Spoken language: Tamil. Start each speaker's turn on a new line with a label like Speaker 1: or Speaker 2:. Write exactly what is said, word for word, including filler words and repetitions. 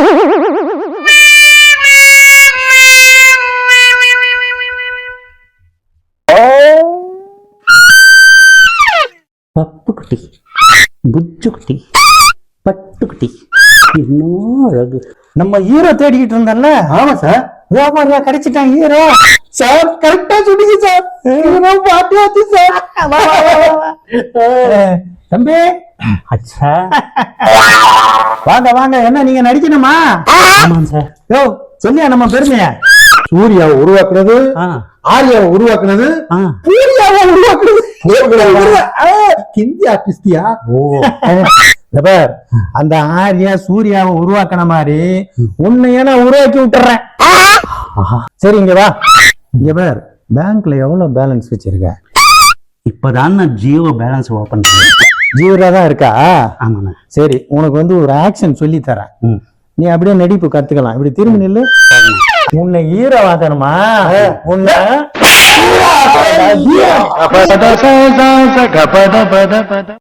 Speaker 1: பப்பு குட்டி, புச்சு குட்டி, பட்டு குட்டி, இன்னும் அழகு.
Speaker 2: நம்ம ஹீரோ தேடிக்கிட்டு இருந்தோம்ல.
Speaker 3: ஆமா சார்.
Speaker 2: வியாபாரியா கிடைச்சிட்டான் ஹீரோ.
Speaker 3: சார் கரெக்டா சொன்னீங்க சார். ஹீரோ பாட்டி ஆச்சு சார்.
Speaker 2: தம்பி
Speaker 1: அச்சா.
Speaker 2: வாங்க வாங்க, என்ன நீங்க நடிக்கணுமா?
Speaker 1: ஆமாம் சார்.
Speaker 2: யோ சொல்லியா நம்ம பெருமைய.
Speaker 3: சூர்யாவை உருவாக்குனது,
Speaker 1: ஆ
Speaker 3: ஆர்யாவை உருவாக்குனது,
Speaker 1: ஆ
Speaker 3: சூர்யாவை உருவாக்குனது ஹிந்தி ஆர்டிஸ்டியா?
Speaker 1: ஓ
Speaker 2: பார், அந்த ஆர்யா சூர்யாவை உருவாக்கின மாதிரி உன்னைய நான் உருவாக்கி விட்டுறேன். சரி இங்க வா. இங்க பார், பேங்க்ல எவ்வளவு பேலன்ஸ் வச்சிருக்க?
Speaker 1: இப்பதான் நான் ஜியோ பேலன்ஸ் ஓபன் பண்ணேன்.
Speaker 2: ஜீவரா தான் இருக்கா?
Speaker 1: ஆமாண்ணா.
Speaker 2: சரி, உனக்கு வந்து ஒரு ஆக்ஷன் சொல்லி தரேன்.
Speaker 1: ம்
Speaker 2: நீ அப்படியே நடிப்பு கத்துக்கலாம். இப்படி திரும்பி நில்லு. உன்னை ஹீரோ ஆக்கணுமா? உன்னை